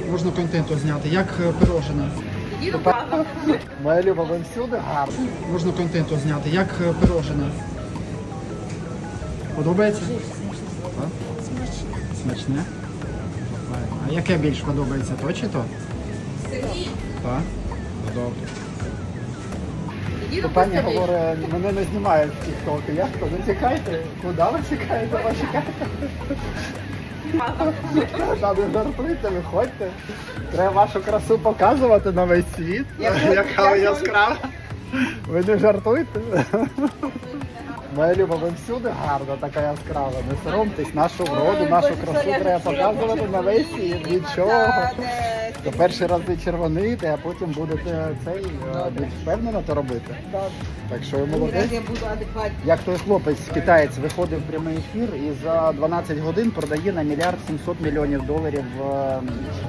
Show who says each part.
Speaker 1: Можна контенту зняти, як пирожне.
Speaker 2: Моя Люба, ви всюди гарно.
Speaker 1: Можна контенту зняти, як пирожне. Подобається? Так? Смачне. А яке більш подобається, то чи то? Так. Добре.
Speaker 2: Пані говорить, мене не знімають в тіктоки. Я хто? Не тікайте. Куди ви тікаєте? Ви чекаєте? Та не жартуйте, виходьте. Треба вашу красу показувати на весь світ. Яка ви яскрава. Ви не жартуйте. Моя Люба, ви всюди гарна, така яскрава. Не соромтесь, нашу вроду, нашу красу треба показувати на весь світ. Нічого. То перший раз ви червоните, а потім будете більш впевнено то робити. Так що ви молодець. Як той хлопець, китаєць, виходив в прямий ефір і за 12 годин продає на $1 700 000 000